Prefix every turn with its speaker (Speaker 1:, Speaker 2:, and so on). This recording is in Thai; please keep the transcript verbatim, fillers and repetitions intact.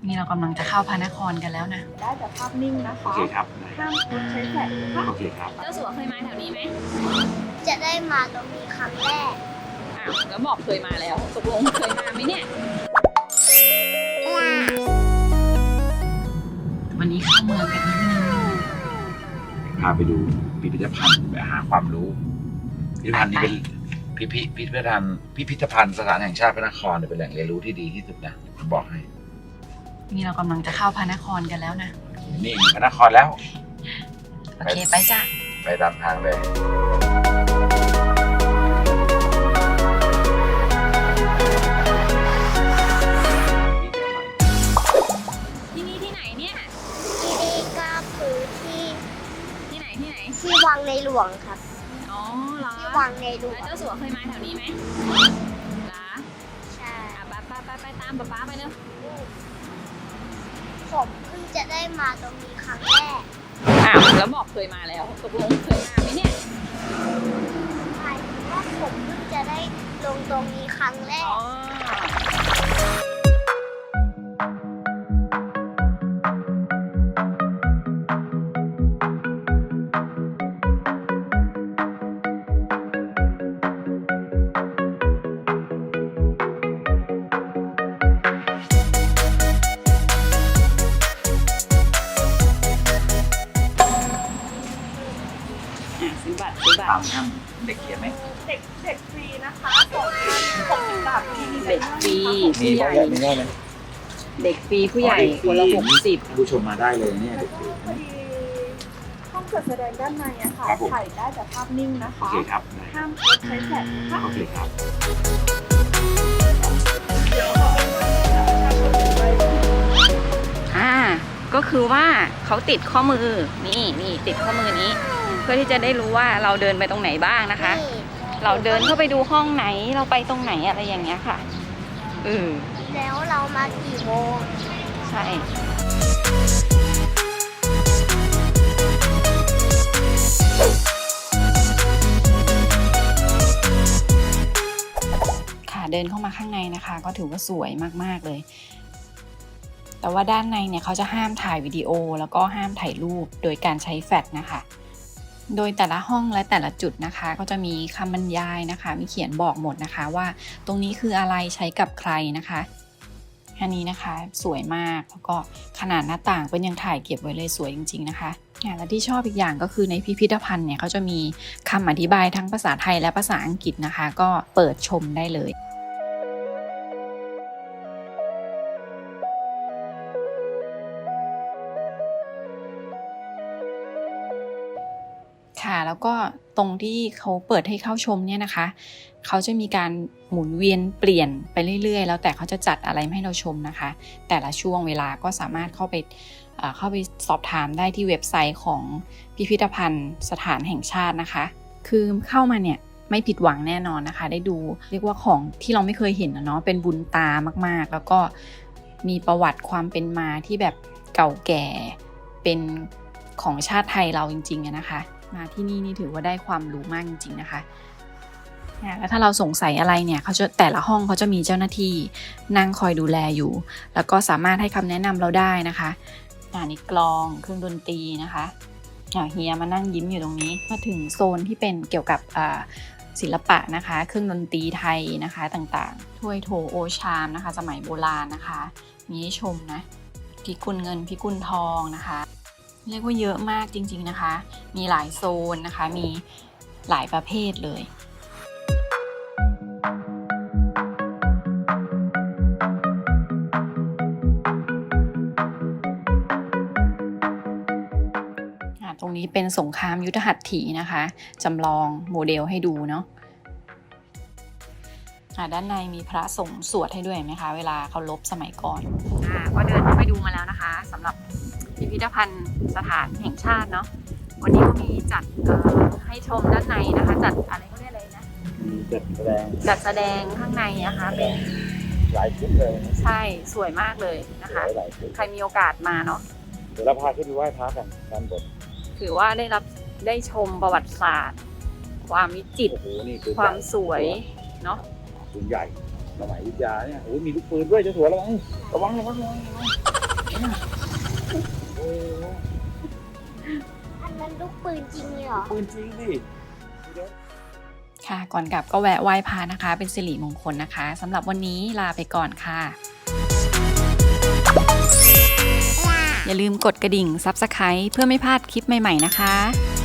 Speaker 1: นี่เรากำลังจะเข้าพระนครกันแล้วนะ
Speaker 2: ได้แต่ภาพนิ่งนะคะ
Speaker 3: โอเคครับ
Speaker 2: ห้ามใช้แฟลชนะคะ
Speaker 3: โอเคครับ
Speaker 1: เจ้าสัวเคยมาแถวนี้ไหม
Speaker 4: จะได้มาตรงนี้ครั้งแรก
Speaker 1: อ้าวแล้วบอกเคยมาแล้วตกลงเคยมาไหมเนี่ยวันนี้เข้าเมืองกันนิดนึง
Speaker 3: พาไปดูพิพิธภัณฑ์ไปหาความรู้พิพิธภัณฑ์นี้เป็นพิพิพิพิธภัณฑ์พิพิธภัณฑ์สถานแห่งชาติพระนครเป็นแหล่งเรียนรู้ที่ดีที่สุดนะผมบอกให้
Speaker 1: นี่เรากำลังจะเข้าพระนครกันแล้วนะ
Speaker 3: นี่พระนครแล้ว
Speaker 1: โอเคไปจ้ะ
Speaker 3: ไปตามทางเลย
Speaker 1: ที่นี่ที่ไหนเนี่ย
Speaker 4: ที่นี่ก็คือที่
Speaker 1: ที่ไหนที่ไหน
Speaker 4: ที่วังในหลวงครับ
Speaker 1: อ๋อเหรอ
Speaker 4: ที่วังในหลวง
Speaker 1: แล้วเจ้าสัวเคยมาแถวนี้ไหมเหรอ
Speaker 4: ใช่
Speaker 1: อ่ะไปไปไปไปตามป๊าป๊าไปเร็ว
Speaker 4: ผมเพิ่งจะได้มาตรงนี้ครั้งแรก
Speaker 1: อ้าวแล้วบอกเคยมาแล้วตกลงเคยมาไหมเนี่ย
Speaker 4: ใช่ว่าผมเพิ่งจะได้ลงตรงนี้ครั้งแรก
Speaker 1: ซื้อบัตรซื้อบัตร
Speaker 3: ตามท่านเด็กเขียนไหม
Speaker 2: เด็กเด็กฟรีนะคะสองพันหกสิบบาทที่นี่
Speaker 1: เด็กฟรีผู้ใหญ่เด็กฟรีผู้ใหญ่คนละหกสิบ
Speaker 3: ผู้ชมมาได้เลยเนี่ยเด็กฟรี
Speaker 2: พอดีห้องจัดแสดงด้านในอะค่ะถ่ายได้แต่ภาพนิ่งนะ
Speaker 3: โอ
Speaker 2: คะ
Speaker 3: เคครับ
Speaker 2: ห้ามใช้แฟลชนะคะ
Speaker 3: โอเคครับ
Speaker 1: อ่าก็คือว่าเขาติดข้อมือนี่นี่ติดข้อมือนี้เพื่อที่จะได้รู้ว่าเราเดินไปตรงไหนบ้างนะคะเราเดินเข้าไปดูห้องไหนเราไปตรงไหนอะไรอย่างเงี้ยค่ะเออ
Speaker 4: แล้วเรามากี่โมง
Speaker 1: ใช่ค่ะเดินเข้ามาข้างในนะคะก็ถือว่าสวยมากๆเลยแต่ว่าด้านในเนี่ยเขาจะห้ามถ่ายวิดีโอแล้วก็ห้ามถ่ายรูปโดยการใช้แฟลชนะคะโดยแต่ละห้องและแต่ละจุดนะคะก็จะมีคำบรรยายนะคะมีเขียนบอกหมดนะคะว่าตรงนี้คืออะไรใช้กับใครนะคะอันนี้นะคะสวยมากแล้วก็ขนาดหน้าต่างเป็นยังถ่ายเก็บไว้เลยสวยจริงๆนะคะและที่ชอบอีกอย่างก็คือในพิพิธภัณฑ์เนี่ยเขาจะมีคำอธิบายทั้งภาษาไทยและภาษาอังกฤษนะคะก็เปิดชมได้เลยค่ะแล้วก็ตรงที่เขาเปิดให้เข้าชมเนี่ยนะคะเขาจะมีการหมุนเวียนเปลี่ยนไปเรื่อยๆแล้วแต่เขาจะจัดอะไรให้เราชมนะคะแต่ละช่วงเวลาก็สามารถเข้าไปเข้าไปสอบถามได้ที่เว็บไซต์ของพิพิธภัณฑ์สถานแห่งชาตินะคะคือเข้ามาเนี่ยไม่ผิดหวังแน่นอนนะคะได้ดูเรียกว่าของที่เราไม่เคยเห็นนะเนาะเป็นบุญตามากๆแล้วก็มีประวัติความเป็นมาที่แบบเก่าแก่เป็นของชาติไทยเราจริงๆนะคะมาที่นี่นี่ถือว่าได้ความรู้มากจริงๆนะคะแล้วถ้าเราสงสัยอะไรเนี่ยเขาจะแต่ละห้องเขาจะมีเจ้าหน้าที่นั่งคอยดูแลอยู่แล้วก็สามารถให้คำแนะนำเราได้นะคะอันนี้กลองเครื่องดนตรีนะคะเฮียมานั่งยิ้มอยู่ตรงนี้มาถึงโซนที่เป็นเกี่ยวกับศิลปะนะคะเครื่องดนตรีไทยนะคะต่างๆถ้วยโถโอชามนะคะสมัยโบราณนะคะมีให้ชมนะพิกุลเงินพิกุลทองนะคะเรียกว่าเยอะมากจริงๆนะคะมีหลายโซนนะคะมีหลายประเภทเลยตรงนี้เป็นสงครามยุทธหัตถีนะคะจำลองโมเดลให้ดูเนาะด้านในมีพระสงฆ์สวดให้ด้วยไหมคะเวลาเขารบสมัยก่อนอ่าก็เดินเข้าไปดูมาแล้วนะคะสำหรับพิพิธภัณฑ์สถานแห่งชาติเนาะวันนี้ก็มีจัดให้ชมด้านในนะคะจัดอะไรก็เรียกอะไรนะ
Speaker 3: จัดแสดง
Speaker 1: จัดแสดงข้างในนะคะเป็น
Speaker 3: หลายชุดเลย
Speaker 1: ใช่สวยมากเลยนะคะใครมีโอกาสมาเนาะ
Speaker 3: เดี๋ยวเราพาขึ้นไปไหว้พระกันด้านบน
Speaker 1: ถือว่าได้รับได้ชมประวัติศาสตร์ความวิจิตรความสวยเนาะ
Speaker 3: ปืนใหญ่สมัยอยุธยาเนี่ยโอ้ยมีลูกปืนด้วยเจ้าสัวระวังระวังระวังระวังโอ้
Speaker 4: อันนั้นลูกปืนจริงเลยเหรอ
Speaker 3: ปืนจริงดิ
Speaker 1: ค่ะ ก่อนกลับก็แวะไหว้พระนะคะ เป็นสิริมงคลนะคะสำหรับวันนี้ลาไปก่อนค่ะ อย่าลืมกดกระดิ่ง ซับสไครบ์ เพื่อไม่พลาดคลิปใหม่ๆนะคะ